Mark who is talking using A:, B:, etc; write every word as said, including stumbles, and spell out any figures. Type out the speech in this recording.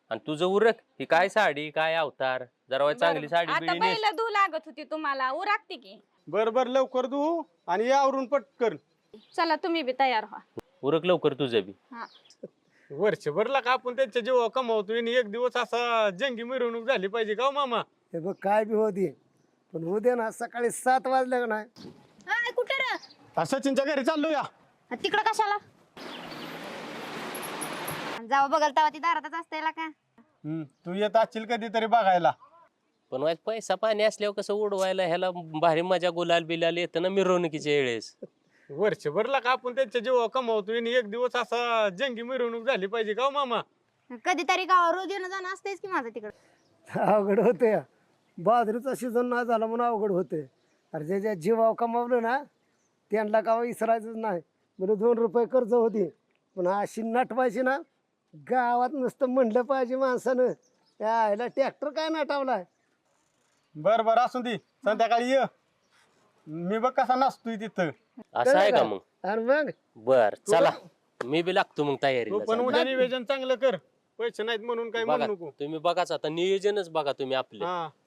A: आणि तुझं उरक ही काय साडी काय अवतार जरा चांगली साडी
B: आता
A: बिडी नेस.
B: पहिलं धू लागत होती तुम्हाला उरागते की.
C: बर बर लवकर तू आणि या आवरून पटकन.
B: चला तुम्ही बी तयार व्हा.
A: उरक लवकर तुझं बी.
B: हा.
C: वर्षभरला का आपण त्यांच्या जीवा कमावतो आणि एक दिवस असा जंगी मिरवणूक झाली पाहिजे का हो मामा?
D: हे बघ काय बी होती पण उद्या ना सकाळी सात वाजल्या का नाही
E: हाय कुठे रे?
C: आ, सचिनच्या घरी चाललो या.
E: तिकडं कशाला? जाऊ बघल तेव्हा ती दारातच असते का?
C: हम्म, तू येत असशील कधीतरी बघायला.
A: पण वाईट पैसा पाणी असल्यावर कसं उडवायला ह्याला भारी मजा गुलाल बिलाल येतं ना मिरवणुकीच्या वेळेस.
C: वर्षभरला का आपण त्यांच्या जीवा कमावतो आणि एक दिवस असा जंगी मिरवणूक झाली पाहिजे का हो मामा?
E: कधीतरी गावावर रोज येणं जाणं असतेच की माझं तिकडं.
D: अवघड होते बाजरीचा सीझन नाही झाला म्हणून अवघड होते. अरे जे ज्या जीवाव कमावलं ना त्यांना का विसरायचंच नाही. म्हणजे दोन रुपये कर्ज होती पण अशी नटवायची ना गावात नुसतं म्हणलं पाहिजे माणसानं यायला ट्रॅक्टर काय नटावलाय.
C: बर बर असू दे संध्याकाळी ये. मी बघ कसा नसतोय तिथं.
A: असं आहे का मग?
D: आणि मग
A: बर चला मी बी लागतो मग
C: तू
A: तयारीला.
C: पण उद्या नियोजन चांगलं कर. पैसे नाहीत म्हणून काय
A: बघा
C: म्हणू नको.
A: तुम्ही बघाच आता नियोजनच बघा तुम्ही आपले.
C: हा